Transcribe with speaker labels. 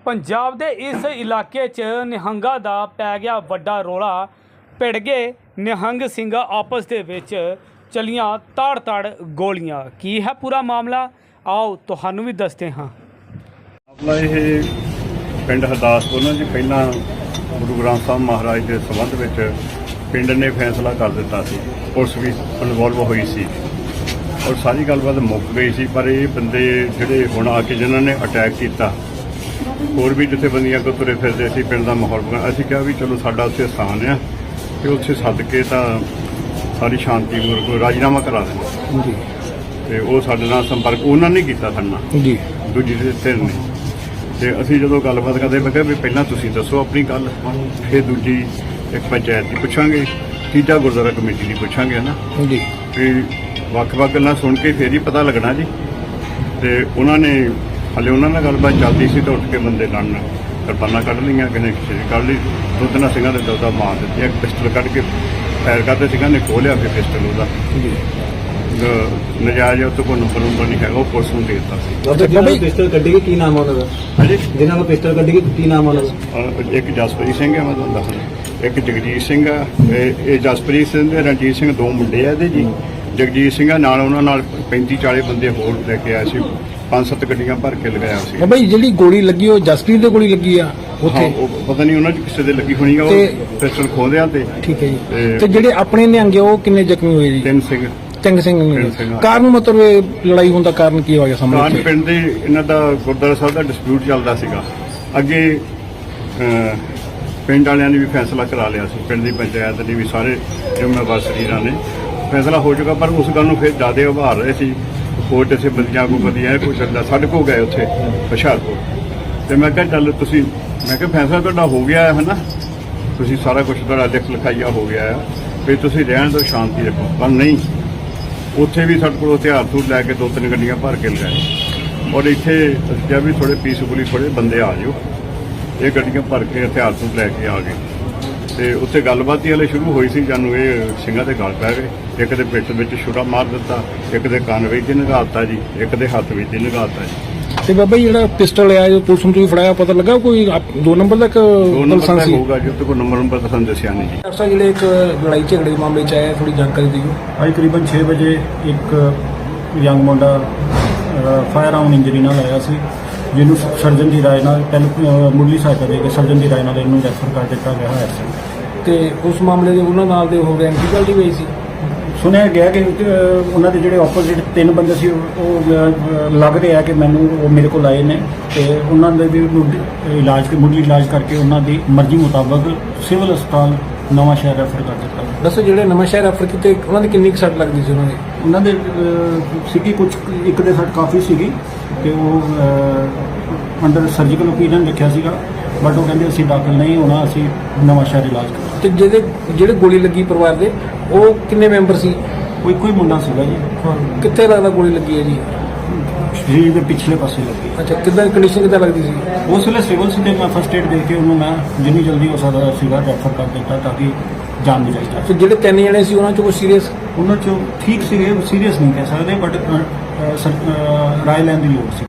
Speaker 1: ਪੰਜਾਬ ਦੇ ਇਸ ਇਲਾਕੇ 'ਚ ਨਿਹੰਗਾਂ ਦਾ ਪੈ ਗਿਆ ਵੱਡਾ ਰੌਲਾ। ਭਿੜ ਗਏ ਨਿਹੰਗ ਸਿੰਘ ਆਪਸ ਦੇ ਵਿੱਚ, ਚਲੀਆਂ ਤਾੜ ਗੋਲੀਆਂ। ਕੀ ਹੈ ਪੂਰਾ ਮਾਮਲਾ, ਆਓ ਤੁਹਾਨੂੰ ਵੀ ਦੱਸਦੇ ਹਾਂ।
Speaker 2: ਮਾਮਲਾ ਇਹ ਪਿੰਡ ਹਰਦਾਸਪੁਰ ਜੀ ਪਹਿਲਾਂ ਗੁਰੂ ਗ੍ਰੰਥ ਸਾਹਿਬ ਮਹਾਰਾਜ ਦੇ ਸੰਬੰਧ ਵਿੱਚ ਪਿੰਡ ਨੇ ਫੈਸਲਾ ਕਰ ਦਿੱਤਾ ਸੀ, ਪੁਲਿਸ ਵੀ ਇਨਵੋਲਵ ਹੋਈ ਸੀ ਔਰ ਸਾਰੀ ਗੱਲਬਾਤ ਮੁੱਕ ਗਈ ਸੀ। ਪਰ ਇਹ ਬੰਦੇ ਜਿਹੜੇ ਹੁਣ ਆ ਕੇ ਜਿਨ੍ਹਾਂ ਨੇ ਅਟੈਕ ਕੀਤਾ, ਹੋਰ ਵੀ ਜਥੇਬੰਦੀਆਂ ਕੋਲ ਤੁਰੇ ਫਿਰਦੇ ਸੀ ਪਿੰਡ ਦਾ ਮਾਹੌਲ ਬਣਾ। ਅਸੀਂ ਕਿਹਾ ਵੀ ਚਲੋ ਸਾਡਾ ਉੱਥੇ ਸਥਾਨ ਆ ਤੇ ਉੱਥੇ ਸੱਦ ਕੇ ਤਾਂ ਸਾਰੀ ਸ਼ਾਂਤੀ ਨੂੰ ਰਾਜੀਨਾਮਾ ਕਰਾ ਦੇਣਾ ਜੀ। ਤੇ ਉਹ ਸਾਡੇ ਨਾਲ ਸੰਪਰਕ ਉਹਨਾਂ ਨੇ ਕੀਤਾ ਸਾਡੇ ਨਾਲ ਜੀ, ਦੂਜੀ ਧਿਰ ਨੇ। ਤੇ ਅਸੀਂ ਜਦੋਂ ਗੱਲਬਾਤ ਕਰਦੇ ਮੈਂ ਕਿਹਾ ਵੀ ਪਹਿਲਾਂ ਤੁਸੀਂ ਦੱਸੋ ਆਪਣੀ ਗੱਲ, ਫਿਰ ਦੂਜੀ ਇੱਕ ਪੰਚਾਇਤ ਦੀ ਪੁੱਛਾਂਗੇ, ਤੀਜਾ ਗੁਰਦੁਆਰਾ ਕਮੇਟੀ ਦੀ ਪੁੱਛਾਂਗੇ ਨਾ ਜੀ। ਤੇ ਵੱਖ-ਵੱਖ ਗੱਲਾਂ ਸੁਣ ਕੇ ਫਿਰ ਹੀ ਪਤਾ ਲੱਗਣਾ ਜੀ। ਤੇ ਉਹਨਾਂ ਨੇ ਹਾਲੇ ਉਹਨਾਂ ਨਾਲ ਗੱਲਬਾਤ ਚੱਲਦੀ ਸੀ ਤਾਂ ਉੱਠ ਕੇ ਬੰਦੇ ਲੜਨ ਕਿਰਪਾਨਾਂ ਕੱਢ ਲਈਆਂ, ਕਿਸੇ ਨੇ ਕੱਢ ਲਈ, ਦੋ ਤਿੰਨ ਸਿੰਘਾਂ ਦੇ ਦੌਦਾ ਮਾਰ ਦਿੱਤੀ। ਇੱਕ ਪਿਸਟਲ ਕੱਢ ਕੇ ਫਾਇਰ ਕਰਦੇ ਸਿੰਘਾਂ ਨੇ ਖੋਲਿਆ, ਫਿਰ ਪਿਸਟਲ ਉਹਦਾ ਨਜਾਇਜ਼ ਉਹ ਤੋਂ ਕੋਈ ਨੰਬਰ ਨਹੀਂ ਹੈਗਾ, ਉਹ ਪੁਲਿਸ ਨੂੰ ਦੇ ਦਿੱਤਾ ਸੀ।
Speaker 3: ਜਿਹਨਾਂ ਨੂੰ ਪਿਸਟਲ ਕੱਢੀ ਗਈ ਕੀ ਨਾਮ ਆ ਉਹਨਾਂ ਦਾ?
Speaker 2: ਹਾਂਜੀ,
Speaker 3: ਜਿਹਨਾਂ ਨੂੰ ਪਿਸਟਲ ਕੱਢੀ ਗਈ ਕੀ ਨਾਮ ਆ ਉਹਨਾਂ ਦਾ?
Speaker 2: ਇੱਕ ਜਸਪ੍ਰੀਤ ਸਿੰਘ ਹੈ, ਮੈਂ ਤੁਹਾਨੂੰ ਦੱਸਦਾ, ਇੱਕ ਜਗਜੀਤ ਸਿੰਘ ਆ। ਇਹ ਜਸਪ੍ਰੀਤ ਸਿੰਘ ਤੇ ਰਣਜੀਤ ਸਿੰਘ ਦੋ ਮੁੰਡੇ ਆ ਇਹਦੇ ਜੀ। ਜਗਜੀਤ ਸਿੰਘ ਆ ਨਾਲ, ਉਹਨਾਂ ਨਾਲ 35-40 ਬੰਦੇ ਹੋਰ ਲੈ ਕੇ ਆਏ ਸੀ, 5-7 ਗੱਡੀਆਂ ਭਰ ਕੇ ਲਗਾਇਆ ਸੀ।
Speaker 3: ਬਾਈ ਜਿਹੜੀ ਗੋਲੀ ਲੱਗੀ ਉਹ ਜਸਪ੍ਰੀਤ ਦੇ ਗੋਲੀ ਲੱਗੀ ਆ ਉੱਥੇ?
Speaker 2: ਉਹ ਪਤਾ ਨਹੀਂ ਉਹਨਾਂ 'ਚ ਕਿਸੇ ਦੇ ਲੱਗੀ ਹੋਣੀ ਆ, ਉਹ ਪਿਸਟਲ ਖੋਹਦਿਆਂ ਤੇ। ਠੀਕ ਹੈ ਜੀ।
Speaker 3: ਤੇ ਜਿਹੜੇ ਆਪਣੇ ਨਿਹੰਗੇ ਉਹ ਕਿੰਨੇ ਜ਼ਖਮੀ ਹੋਏ ਜੀ?
Speaker 2: ਤਿੰਨ ਸਿੰਘ।
Speaker 3: ਕਾਰਨ ਮਤਲਬ ਇਹ ਲੜਾਈ ਹੋਣ ਦਾ ਕਾਰਨ ਕੀ ਹੋ ਗਿਆ ਸਾਹਮਣੇ?
Speaker 2: ਕਾਰਨ ਪਿੰਡ ਦੇ ਇਹਨਾਂ ਦਾ ਗੁਰਦੁਆਰਾ ਸਾਹਿਬ ਦਾ ਡਿਸਪਿਊਟ ਚੱਲਦਾ ਸੀਗਾ। ਅੱਗੇ ਪਿੰਡ ਵਾਲਿਆਂ ਨੇ ਵੀ ਫੈਸਲਾ ਕਰਾ ਲਿਆ ਸੀ, ਪਿੰਡ ਦੀ ਪੰਚਾਇਤ ਨੇ ਵੀ, ਸਾਰੇ ਜ਼ਿੰਮੇਵਾਰ ਸਰੀਰਾਂ ਨੇ ਫੈਸਲਾ ਹੋ ਚੁੱਕਾ। ਪਰ ਉਸ ਗੱਲ ਨੂੰ ਫਿਰ ਜ਼ਿਆਦਾ ਉਭਾਰ ਰਹੇ ਸੀ ਕੋਰਟ ਇਸੇ ਬੰਦਿਆਂ ਕੋ ਵਧੀਆ ਕੋਈ ਚੱਲਦਾ। ਸਾਡੇ ਕੋਲ ਗਏ ਉੱਥੇ ਹੁਸ਼ਿਆਰਪੁਰ, ਤੇ ਮੈਂ ਕਿਹਾ ਚੱਲ ਤੁਸੀਂ, ਮੈਂ ਕਿਹਾ ਫੈਸਲਾ ਤੁਹਾਡਾ ਹੋ ਗਿਆ ਹੈ ਨਾ, ਤੁਸੀਂ ਸਾਰਾ ਕੁਝ ਤੁਹਾਡਾ ਲਿਖ ਲਿਖਾਈਆ ਹੋ ਗਿਆ ਹੈ, ਫਿਰ ਤੁਸੀਂ ਰਹਿਣ ਦਿਓ, ਸ਼ਾਂਤੀ ਰੱਖੋ। ਪਰ ਨਹੀਂ, ਉੱਥੇ ਵੀ ਸਾਡੇ ਕੋਲ ਹਥਿਆਰ ਥੂਰ ਲੈ ਕੇ 2-3 ਗੱਡੀਆਂ ਭਰ ਕੇ ਲਗਾਏ। ਔਰ ਇੱਥੇ ਅਸੀਂ ਕਿਹਾ ਵੀ ਥੋੜੇ ਪੀਸਫੁਲੀ ਥੋੜੇ ਬੰਦੇ ਆ ਜਾਓ, ਇਹ ਗੱਡੀਆਂ ਭਰ ਕੇ ਹਥਿਆਰ ਥੂਰ ਲੈ ਕੇ ਆ ਗਏ। ਤੇ ਉੱਥੇ ਗੱਲਬਾਤ ਹੀ ਹਲੇ ਸ਼ੁਰੂ ਹੋਈ ਸੀ, ਜਾਨੂੰ ਇਹ ਸਿੰਘਾਂ ਦੇ ਗਲ ਪੈ ਗਏ। ਇੱਕ ਦੇ ਪਿੱਠ ਵਿੱਚ ਛੁਰਾ ਮਾਰ ਦਿੱਤਾ, ਇੱਕ ਦੇ ਕੰਨ ਵਿੱਚ ਨਿਗਾਹਤਾ ਜੀ, ਇੱਕ ਦੇ ਹੱਥ ਵਿੱਚ ਨਿਗਾਹਤਾ ਜੀ।
Speaker 3: ਤੇ ਬਾਬਾ ਜਿਹੜਾ ਪਿਸਟਲ ਆ ਜੋ ਪੁਲਿਸ ਨੂੰ ਤੁਸੀਂ ਫੜਾਇਆ, ਪਤਾ ਲੱਗਾ ਕੋਈ 2 ਨੰਬਰ ਦਾ?
Speaker 2: 2 ਨੰਬਰ ਦਾ ਹੋਊਗਾ ਜੀ, ਉੱਤੇ ਕੋਈ ਨੰਬਰ ਤਾਂ ਸਾਨੂੰ ਦੱਸਿਆ ਨਹੀਂ ਜੀ।
Speaker 3: ਡਾਕਟਰ ਸਾਹਿਬ ਜਿਹੜੇ ਇੱਕ ਲੜਾਈ ਝਗੜੇ ਦੇ ਮਾਮਲੇ 'ਚ ਆਇਆ, ਥੋੜੀ ਜਾਣਕਾਰੀ ਦਿਓ।
Speaker 4: ਅੱਜ ਕਰੀਬਨ 6 ਵਜੇ ਇੱਕ ਯੰਗ ਮੁੰਡਾ ਫਾਇਰ ਆਨ ਇੰਜਰੀ ਨਾਲ ਆਇਆ ਸੀ, ਜਿਹਨੂੰ ਸਰਜਨ ਦੀ ਰਾਏ ਨਾਲ ਮੁੱਢਲੀ ਸਹਾਇਤਾ ਦੇ ਕੇ ਸਰਜਨ ਦੀ ਰਾਏ ਨਾਲ ਇਹਨੂੰ ਰੈਫਰ ਕਰ ਦਿੱਤਾ ਗਿਆ ਹੋਇਆ ਸੀ।
Speaker 3: ਤੇ ਉਸ ਮਾਮਲੇ ਦੇ ਉਹਨਾਂ ਨਾਲ ਦੇ ਹੋ ਗਏ ਐਂਟੀਕਲਟੀ ਹੋਈ ਸੀ।
Speaker 4: ਸੁਣਿਆ ਗਿਆ ਕਿ ਉਹਨਾਂ ਦੇ ਜਿਹੜੇ ਆਪੋਜ਼ਿਟ 3 ਬੰਦੇ ਸੀ, ਉਹ ਲੱਗ ਰਿਹਾ ਕਿ ਮੈਨੂੰ ਉਹ ਮੇਰੇ ਕੋਲ ਆਏ ਨੇ ਤੇ ਉਹਨਾਂ ਦੇ ਵੀ ਮੁੱਢਲੀ ਇਲਾਜ ਕਰਕੇ ਉਹਨਾਂ ਦੀ ਮਰਜ਼ੀ ਮੁਤਾਬਕ ਸਿਵਲ ਹਸਪਤਾਲ ਨਵਾਂ ਸ਼ਹਿਰ ਰੈਫਰ ਕਰ ਦਿੱਤਾ।
Speaker 3: ਦੱਸੋ ਜਿਹੜੇ ਨਵਾਂ ਸ਼ਹਿਰ ਰੈਫਰ ਕੀਤੇ, ਉਹਨਾਂ ਦੀ ਕਿੰਨੀ ਕੁ ਸੱਟ ਲੱਗਦੀ ਸੀ?
Speaker 4: ਉਹਨਾਂ ਦੇ ਸੀਗੀ ਕੁਝ, ਇੱਕ ਦੇ ਸੱਟ ਕਾਫੀ ਸੀਗੀ ਤੇ ਉਹ ਅੰਡਰ ਸਰਜੀਕਲ ਓਪੀਨੀਅਨ ਰੱਖਿਆ ਸੀਗਾ, ਬਟ ਉਹ ਕਹਿੰਦੇ ਅਸੀਂ ਦਾਖਲ ਨਹੀਂ ਹੋਣਾ, ਅਸੀਂ ਨਵਾਂ ਸ਼ਹਿਰ ਇਲਾਜ ਕਰਾਂਗੇ।
Speaker 3: ਤੇ ਜਿਹੜੇ ਗੋਲੀ ਲੱਗੀ ਪਰਿਵਾਰ ਦੇ, ਉਹ ਕਿੰਨੇ ਮੈਂਬਰ ਸੀ?
Speaker 4: ਕੋਈ ਕੋਈ ਮੁੰਡਾ ਸੀਗਾ ਜੀ।
Speaker 3: ਕਿੱਥੇ ਲੱਗਦਾ ਗੋਲੀ ਲੱਗੀ ਹੈ ਜੀ?
Speaker 4: ਸਰੀਰ ਦੇ ਪਿਛਲੇ ਪਾਸੇ ਲੱਗੀ।
Speaker 3: ਅੱਛਾ, ਕਿੱਦਾਂ ਕੰਡੀਸ਼ਨ ਕਿੱਦਾਂ ਲੱਗਦੀ ਸੀ?
Speaker 4: ਉਸ ਵੇਲੇ ਸਿਵਲ ਸੀ ਤੇ ਮੈਂ ਫਸਟ ਏਡ ਦੇ ਕੇ ਉਹਨੂੰ ਮੈਂ ਜਿੰਨੀ ਜਲਦੀ ਹੋ ਸਕਦਾ ਸੀਗਾ ਰੈਫਰ ਕਰ ਦਿੱਤਾ ਤਾਂ ਕਿ ਜਾਨ ਬਚਾਈ ਜਾ ਸਕੇ।
Speaker 3: ਤੇ ਜਿਹੜੇ 3 ਜਣੇ ਸੀ ਉਹਨਾਂ 'ਚੋਂ ਕੋਈ ਸੀਰੀਅਸ?
Speaker 4: ਉਹਨਾਂ 'ਚੋਂ ਠੀਕ ਸੀਗੇ, ਸੀਰੀਅਸ ਨਹੀਂ ਕਹਿ ਸਕਦੇ, ਬਟ ਰਾਏ ਲੈਣ ਦੀ ਲੋੜ ਸੀ।